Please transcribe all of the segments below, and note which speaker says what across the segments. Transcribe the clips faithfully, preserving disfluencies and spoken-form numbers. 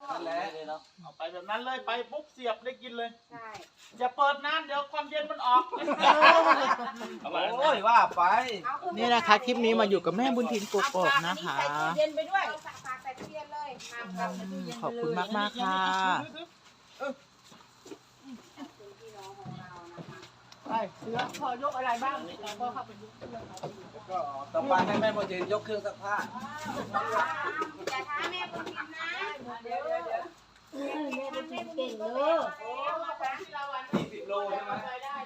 Speaker 1: นั่นแหละเอาไปแบบนั้นเลยไปปุ๊บเสียบได้กินเลยใช่อย่าเปิดน้ำเดี๋ยวความเย็นมันออก
Speaker 2: โอ้ยว่าไป
Speaker 3: นี่นะคะคลิปนี้มาอยู่กับแม่บุญทินกกอกนะคะขอบคุณมากมากค่ะ
Speaker 1: ไปเสือพอยกอะไรบ้างพอเข้าไปยก
Speaker 2: ก็ต่อไปให้แม่บุญทินยกเครื่องซักผ้า
Speaker 4: อย่าท้าแม่บุญทินนะเดี๋ยวเดี๋ยวเดี๋ยวแม่บุญทินเก่งเลย
Speaker 2: ยี่สิบโลใช่ไหม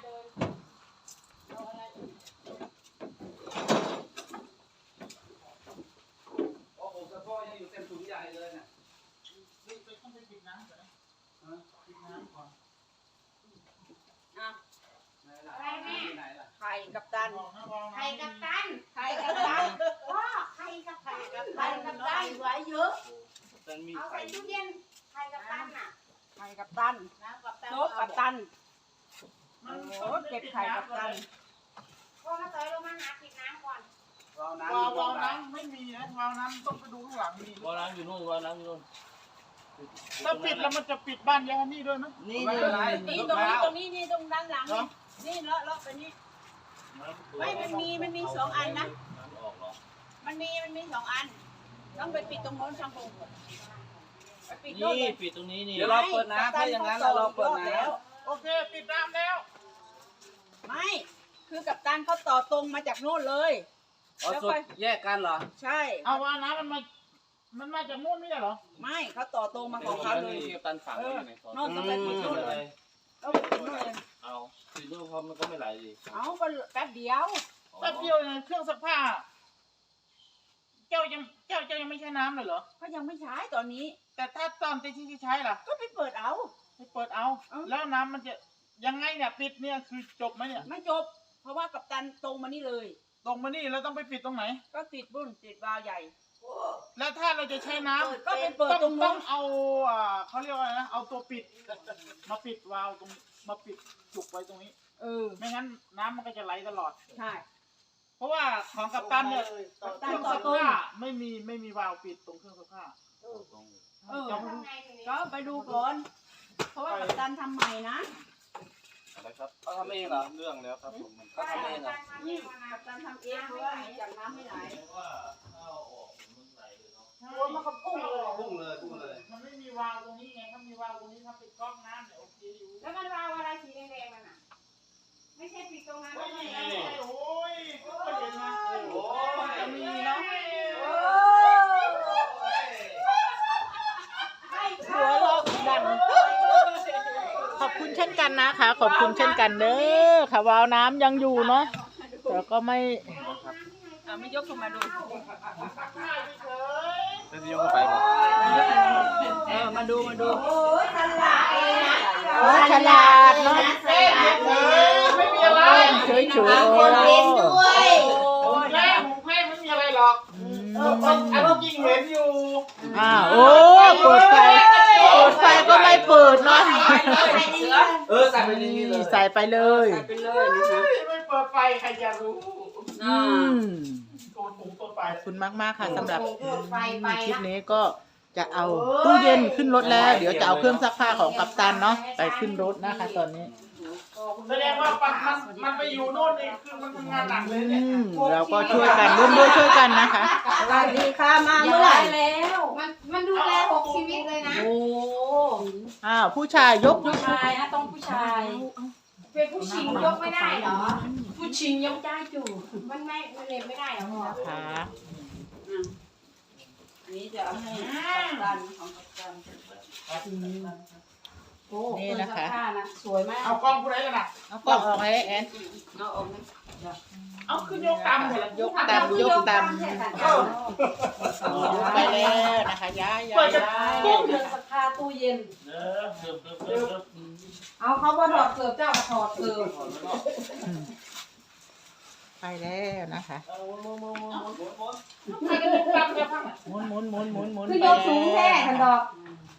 Speaker 2: โอ้โหกระเพาะยังอยู่เต็มถุงใหญ่เลยเนี่ย
Speaker 1: นี่ไปต้องไปปิดน้ำก่อนนะปิดน้ำก่อน
Speaker 4: อะไรแม่
Speaker 3: ไข่กับตัน
Speaker 4: ไข่กับตันไข่กับตันพ่อไข่กับไข่กับไข่กับตันไว้เยอะเอาใส่ตู้เย็นไข่กับตันน่ะ
Speaker 3: ไข่กับตันโต๊ะกับตันโอ้เก็บไข่กับตัน
Speaker 4: พ่อมาเตยลงมาหาปิดน้ำก่อน
Speaker 2: วาล์วน้
Speaker 1: ำวาล์วน้ำไม่มีนะวาล์วน้ำต้องไปดูข้างหลังมี
Speaker 2: วาล์วน้ำอยู่นู่นวาล์วน้ำอยู่นู่น
Speaker 1: ถ้าปิดแล้วมันจะปิดบ้านยานี่ด้วยไหม
Speaker 2: นี่นี่
Speaker 3: นี่ตรงนี้ตรงนี้นี่ตรงด้านหลังนี่เลาะเลาะไปนี่ไม่มันมีมันมีสองอันนะมันมีมันมีสองอันต้องไปปิดตรงโน้นช่างพง
Speaker 2: นี่ปิดตรงนี้นี่เดี๋ยวเราเปิดน้ำถ้าอย่างนั้นเราเปิดน้
Speaker 1: ำโอเคปิดน้ำแล้ว
Speaker 3: ไม่คือกับตันเขาต่อตรงมาจากโน่นเลย
Speaker 2: แล้วไปแยกกันเหรอ
Speaker 3: ใช่
Speaker 1: เอาว่าน้ำมันมามันมาจากโน่นไม่ใช่เหรอ
Speaker 3: ไม่เขาต่อตรงมาของเขาเลย
Speaker 2: กับตันฝังอยู่ใน
Speaker 3: โน่นต้องไปปิดโน่นเลยเอาไปปิดโน่นเลย
Speaker 2: เอาปิดโน่นเพราะมันก็ไม่ไหลดิ
Speaker 3: เอาก็แป๊บเดียว
Speaker 1: แป๊บเดียวเนี่ยเครื่องซักผ้าเจ้ายังเจ้าเจ้ายังไม่ใช้น้ำเลยเหรอ
Speaker 3: ก็ยังไม่ใช้ตอนนี้
Speaker 1: แต่ถ้าตอนที่ที่ใช้ล่ะ
Speaker 3: ก็ไปเปิดเอา
Speaker 1: ไปเปิดเอาแล้วน้ำมันจะยังไงเนี่ยปิดเนี่ยคือจบไหมเนี่ย
Speaker 3: ไม่จบเพราะว่ากัปตันตรงมานี่เลย
Speaker 1: ตรงมานี่แล้วต้องไปปิดตรงไหน
Speaker 3: ก็ปิดบุ้นปิดวาล์วใหญ่
Speaker 1: แล้วถ้าเราจะใช้น้ำ
Speaker 3: ก็ไปเปิดตรง
Speaker 1: ต้องเอาอ่าเขาเรียกว่าอะไรนะเอาตัวปิดมาปิดวาล์วตรงมาปิดจุกไว้ตรงนี้
Speaker 3: เออ
Speaker 1: ไม่งั้นน้ำมันก็จะไหลตลอด
Speaker 3: ใช่
Speaker 1: เพราะว่าของกัปตันเนี่ยเครื่องซักผ้าไม่มีไม่มีวาล์วปิดตรงเครื่องซักผ้า
Speaker 3: เออก็ไปดูก่อนเพราะว่ากัปตันทำใหม่นะ
Speaker 2: อะไรครับเขาทำเองเหรอเรื่องแล้วครับผมเขาทำเองเหรอ
Speaker 3: นี่กัปตันทำเองเพราะว่าจากน้ำไม่ไหล
Speaker 4: โอ้มันก็พุ่งเลย
Speaker 2: พุ่งเลยพุ่งเลย
Speaker 1: มันไม่มีวาล์วตรงนี้ไงถ้ามีวาล์วตรงนี้ถ้าปิดก๊อกน้ำเนี่ยโอเคอยู่
Speaker 4: แล้วมันวาล์วอะไรสีแดงๆมันอ่ะไม่ใช่ปิดตรงนั้น
Speaker 1: ไม่ใช่โอ้ยก็เห็นนะโอ้จะมีเนาะหัวเราะดังขอบคุณเช่นกันนะคะขอบคุณเช่นกันเด้อค่ะวาล์วน้ำยังอยู่เนาะแต่ก็ไม่
Speaker 3: ไม่ยกขึ้นมาดู
Speaker 2: ไม่ยกขึ้นไปหรอ
Speaker 3: เออมาดูมาดู
Speaker 4: โอ้ฉลาดเลยนะ
Speaker 1: ฉลาดเนาะไม่มีอะไร
Speaker 3: เฉยเฉย
Speaker 4: คนเล่นด้วย
Speaker 1: แม่ผมแม่ไม่มีอะไรหรอกเอออันจริงเห็นอยู่
Speaker 3: อ่าโอ้เปิดไฟเปิดไฟก็ไม่เปิดเนาะ
Speaker 2: เออใส่ไปนี่เลย
Speaker 3: ใส่ไปเลย
Speaker 1: ใส่ไปเลยนะคะไม่เปิดไฟใครจะรู้
Speaker 3: อืม
Speaker 1: ขอบ
Speaker 3: คุณมากมากค่ะสำหรับคลิปนี้ก็จะเอาตู้เย็นขึ้นรถแล้วเดี๋ยวจะเอาเครื่องซักผ้าของกัปตันเนาะไปขึ้นรถนะคะตอนนี้
Speaker 1: แสดงว่ามันมันไปอยู่โน่นนี่คือมันทำงานหนักเลยเนี่ย
Speaker 3: เราก็ช่วยกันร่วมด้วยช่วยกันนะคะ
Speaker 4: สวัสดีค่ะมาเมื่อไหร่แล้วมันมันดูแลหกชีวิตเลยนะโอ้
Speaker 3: อ้าวผู้ชายยก
Speaker 4: ผู้ชายนะต้องผู้ชายเป็นผู้ชิงยกไม่ได้เหรอผู้ชิงยกได้จู่มันไม่มันเล่นไม่ได้หรอ
Speaker 3: ค่ะ
Speaker 4: อันนี้จะเอาให้กัปตันของกัปตันโอ้
Speaker 3: นี่นะคะ
Speaker 4: สวยมาก
Speaker 1: เอากล้องผู้ใดกันนะ
Speaker 3: เอากล้องออกให้แอน
Speaker 4: เอาออกไหม
Speaker 1: เอาขึ้นยกตำเลย
Speaker 3: ยกตำยกตำไปแล้วนะคะย้ายย้ายย้าย
Speaker 4: ตู้เย็นสักผ้าตู้เย็นเอาเขาว่าถอดเสิร์ฟเจ้ามาถอดเสิร์ฟ
Speaker 3: ไปแล้วนะคะหมุนหมุนหมุนหมุนหมุน
Speaker 4: คือยกสูงแท้ทันดอก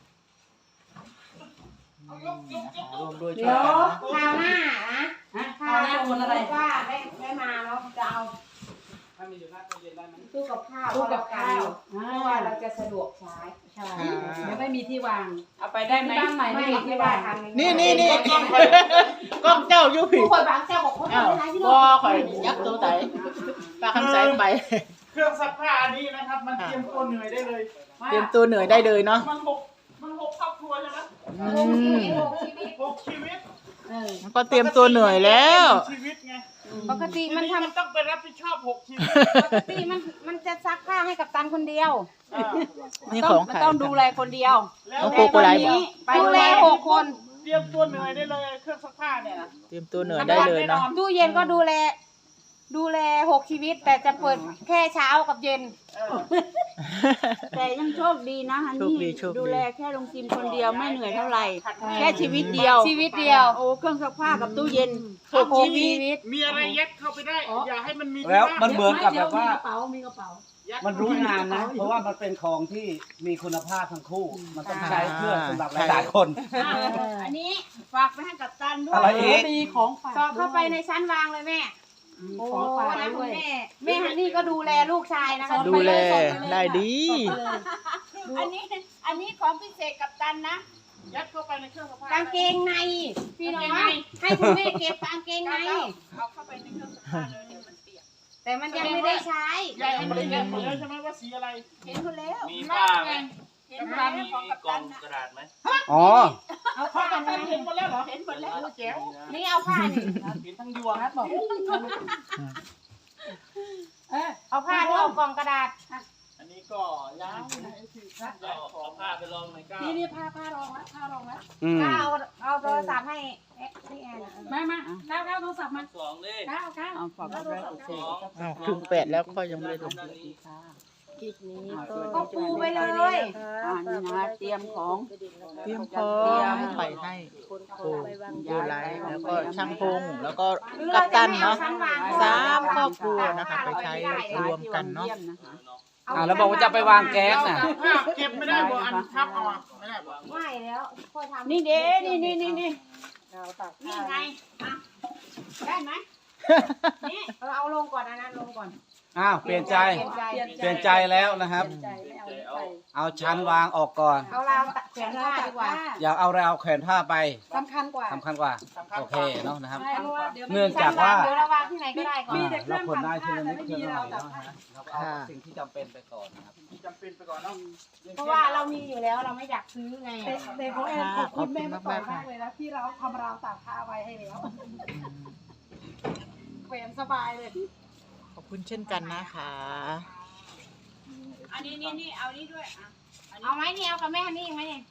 Speaker 3: รวมด้วยช่
Speaker 4: วยกันนะคราวหน้านะคราวหน้าคนอะไรว่าได้ได้มาแล้วจะเอาไป
Speaker 2: ให้มันอยู่หน้าตู้เย็นได้ไหม
Speaker 4: ตู้กับข้าว
Speaker 5: ตู้กับข้าว
Speaker 4: เพราะว่าเราจะสะดวกใช้
Speaker 5: ใช่เดี๋ยวไม่มีที่วาง
Speaker 3: เอาไปได้ไหม
Speaker 5: บ้านใหม่ไม่มีที่วาง
Speaker 1: นี่นี่นี่กล้องกล้องเจ้าอยู่ผิ
Speaker 4: ผู้
Speaker 1: ด
Speaker 4: คนบางเจ้าบอกคน
Speaker 1: อ้าว
Speaker 4: ไม่ได้ที่
Speaker 1: บ่
Speaker 4: โลก
Speaker 1: ข่อยยักตัวไหนปลาคำใสไป
Speaker 2: เครื่องซักผ้าอันนี้นะครับ มันเตรียมตัวเหนื่อยได้เลย
Speaker 1: เตรียมตัวเหนื่อยได้เลยเนาะ
Speaker 2: มันหกมันหกครอบครัวใช่ไหม
Speaker 1: อืม
Speaker 2: หกชีวิต
Speaker 5: เออ
Speaker 1: มันก็เตรียมตัวเหนื่อยแล้ว
Speaker 2: หกชีวิตไง
Speaker 4: ปกติ
Speaker 2: ที
Speaker 4: มัน
Speaker 2: นี้
Speaker 4: ทำ
Speaker 2: มันต้องไปรับผิดชอบหกชีวิต
Speaker 4: ปกติมันมันจะซักผ้าให้กับตันคนเดียว
Speaker 2: อ่า
Speaker 1: นี่ของใคร
Speaker 3: ต้องดูแลคนเดียว
Speaker 2: แล้ว
Speaker 1: ต้องโกโกไลบอก
Speaker 3: ไปดูแลหกคน
Speaker 2: เตรียมตัวเหนื่อยได้เลยเครื่องซักผ้าเนี่ยนะ
Speaker 1: เตรียมตัวเหนื่อยได้เลยเนาะ
Speaker 4: ตู้เย็นก็ดูแล ดูแลหกชีวิต แต่จะเปิดแค่เช้ากับเย็น
Speaker 2: เออ
Speaker 3: แต่ยังโชคดีนะฮัน
Speaker 1: โชค
Speaker 3: นี่
Speaker 1: ดีโชคดี
Speaker 3: ดูแลแค่ลุงจิมคนเดียวไม่เหนื่อยเท่าไหร่ แค่ชีวิตเดียว
Speaker 4: ชีวิตเดียว
Speaker 3: โอ้เครื่องซักผ้ากับตู้เย็น
Speaker 2: หก
Speaker 4: หก
Speaker 2: ชี
Speaker 4: ชี
Speaker 2: วิต
Speaker 4: วิต
Speaker 2: มีอะไรยัดเข้าไปได้ อย่าให้มันมี
Speaker 6: แล้วมัน
Speaker 2: ที่
Speaker 6: เหมือนกับแบบว่า
Speaker 5: มีกระเป๋ามีกระเป๋า
Speaker 2: ยัด
Speaker 6: มันรู้งานนะ เพราะว่ามันเป็นของที่มีคุณภาพทั้งคู่ มันต้องใช้เพื่อสำหรับหลายๆคน
Speaker 3: อ่ะอันนี้ฝากไปให้กับตันด้ว
Speaker 6: อะไร
Speaker 3: ย
Speaker 6: อีก
Speaker 5: มีของฝาก
Speaker 4: สอดเข้าไปในชั้นวางเลยแม่
Speaker 5: โอ้ของฝาก
Speaker 4: นะคุ
Speaker 5: ด้ว
Speaker 4: ณ
Speaker 5: ย
Speaker 4: แม่แม่ฮันนี่ก็ดูแลลูกชายนะคะ
Speaker 1: ดูแลได้ดี
Speaker 3: อันนี้อันนี้ของพิเศษกับตันนะ
Speaker 2: ยัดเข้าไปในเครื่องซักผ้าก
Speaker 4: างเกงในพี่น้องให้คุณแม่เก็บกางเกงใน
Speaker 3: เอาเข้าไปในเครื่องซักผ้าเลยเดี๋ยวมันเปียก
Speaker 4: แต่มันยังไม่ได้ใช้
Speaker 2: ยายเห็นเลยเห็นหมดแล้วใช่ไหมว่าสีอะไร
Speaker 3: เห็นหมดแล้ว
Speaker 2: มีผ้าไหม
Speaker 3: เห็นหมดแล้วของกับตันนะ
Speaker 2: กระดาษไหม
Speaker 6: อ๋อ
Speaker 4: เอา
Speaker 2: ผ้า
Speaker 4: ผ้า
Speaker 2: กั
Speaker 4: กัน น
Speaker 2: เห็นหมดแล้วเหรอ
Speaker 3: เห็นหมดแล้ว
Speaker 2: แจ๋ว
Speaker 4: นี่เอาผ้านี่
Speaker 2: เห็นทั้งยวง
Speaker 5: นัดบอกเออ
Speaker 4: เอาผ้าที่เอากล่องกระดาษ
Speaker 2: อันนี้ก็ยาวนะไอ้ที่ยาวเอาผ้าไปลองในก้าว
Speaker 5: นี่นี่ผ้าผ้ารองแล้วผ้ารองแล้ว
Speaker 6: อืม
Speaker 4: ถ้าเอาเอาโทรศัพท์ให้เอ๊ะพี่แอนอะ
Speaker 5: มามาก้าวก้าวโทรศัพท์มา
Speaker 2: สองดิ
Speaker 5: ก้าวก้าว
Speaker 3: เอาฝากกับตัน
Speaker 2: สอง
Speaker 1: อ้าวถึงแปดแล้วก็ยังไม่ได้ลง
Speaker 2: ด้านนี้
Speaker 4: ก็ปูไปเลย
Speaker 3: อ่านี่นะเตรียมของ
Speaker 1: เตรียมพร้อมไปให้โอ้โยไลท์แล้วก็ช่างพงแล้วก็กัปตันเนาะสามครอบครัวนะคะไปใช้รวมกันเนาะ
Speaker 6: อ่าแล้วบอกว่าจะไปวางแก๊สน่ะ
Speaker 2: ผ้าเก็บไม่ได้บ่อันทับเอาอะไม่ได้บ่
Speaker 4: ไม่แล้วค่อยทำ
Speaker 3: นี่เด้นี่นี่นี่นี่
Speaker 4: นี่ไง
Speaker 3: อ่ะได้ไหมนี่
Speaker 4: เราเอาลงก่อนนะนะลงก่อน
Speaker 6: อ้าวเปลี่ยนใจ
Speaker 4: เปลี่ยนใจ
Speaker 6: เปลี่ยนใจแล้วนะครับ
Speaker 5: ใจไม่เอาไป
Speaker 6: เอาชั้นวางออกก่อน
Speaker 4: เอาราวตัดแขนผ้าดีกว่า
Speaker 6: อย่าเอาราวแขวนผ้าไป
Speaker 5: สำคัญกว่า
Speaker 6: สำคัญกว่า โอเคเนาะนะครับ
Speaker 5: ใช่เพราะว่าเดี๋ยว
Speaker 6: เนื่องจากว่า
Speaker 4: เดี๋ยวเราวางที่ไหนก็ได้ก่อน
Speaker 6: อ่าเราคนได้ทีละนิดทีละหน่อยเนาะฮะเราเอาสิ่งที่จำเป็นไปก่อนนะครับ
Speaker 2: จำเป็นไปก่อนเนาะ
Speaker 4: เพราะว่าเรามีอยู่แล้วเราไม่อยากซื้อไง
Speaker 5: แต่แต่ของแอนขอบคุณแม่มาต่อมากเลยนะที่เราทำราวตากผ้าไว้ให้แล้วแขวนสบายเลย
Speaker 1: ขอบคุณเช่นกันนะคะ
Speaker 3: อันนี้นี่นี่เอานี่ด้วยอ่ะอันนี้
Speaker 4: เอาไหมนี่เอากับแม่นี่ยังไหมเนี่ย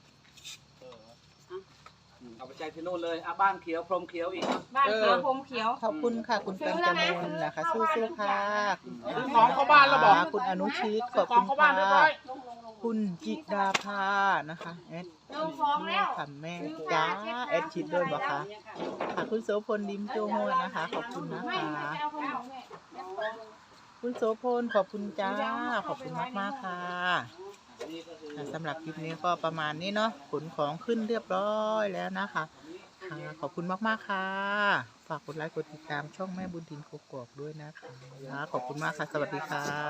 Speaker 6: เอาไปใจที่นู่นเลยอ่ะบ้านเขียวพรมเขียวอีกนะ
Speaker 4: บ้านเขียวผมเขียว
Speaker 1: ขอบคุณค่ะคุณกัญจมลนะคะสู้ๆค่ะคุณ
Speaker 2: ซื้อของเข้าบ้านแล้วบอก
Speaker 1: คุณอนุชิตขอบ
Speaker 2: ขอ
Speaker 1: คุ
Speaker 2: ง
Speaker 1: ณ
Speaker 2: เข้าบ้านเรียบร้
Speaker 1: ค่ะ
Speaker 2: อย
Speaker 1: คุณจิดาภานะคะแอด
Speaker 4: ลงของแล้ว
Speaker 1: ค่ะแม่จ้าแอดชิดด้วยบอกค่ะค่ะคุณโสพลดิมโจโฮนะคะ ขอบคุณนะ
Speaker 4: ไม่
Speaker 1: คะ
Speaker 4: ไม่เอาของแม่
Speaker 1: คุณโสพลขอบคุณจ้าขอบคุณมากมากๆค่ะค่ะสำหรับคลิปนี้ก็ประมาณนี้เนาะขนของขึ้นเรียบร้อยแล้วนะคะค่ะขอบคุณมากๆค่ะฝากกดไลค์กดติดตามช่องแม่บุญทินกกอกด้วยนะคะขอบคุณมากค่ะสวัสดีค่ะ